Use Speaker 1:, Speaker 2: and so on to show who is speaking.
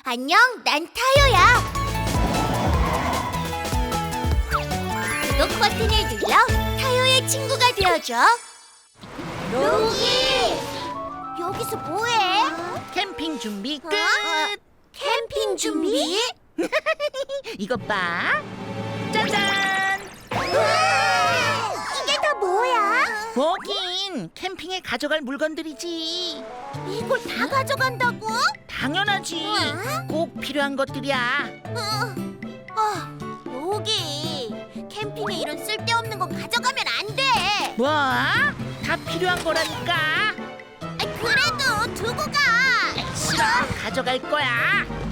Speaker 1: 안녕, 난 타요야. 구독 버튼을 눌러 타요의 친구가 되어줘. 로기! 여기서 뭐해?
Speaker 2: 캠핑 준비 끝.
Speaker 1: 캠핑 준비?
Speaker 2: 이것 봐. 짜잔.
Speaker 1: 우와! 이게 다 뭐야?
Speaker 2: 뭐긴 캠핑에 가져갈 물건들이지.
Speaker 1: 이걸 다 가져간다고?
Speaker 2: 당연하지.
Speaker 1: 우와.
Speaker 2: 꼭 필요한 것들이야.
Speaker 1: 로기, 캠핑에 이런 쓸데없는 거 가져가면 안 돼.
Speaker 2: 뭐? 다 필요한 거라니까.
Speaker 1: 그래도 두고 가.
Speaker 2: 싫어. 가져갈 거야.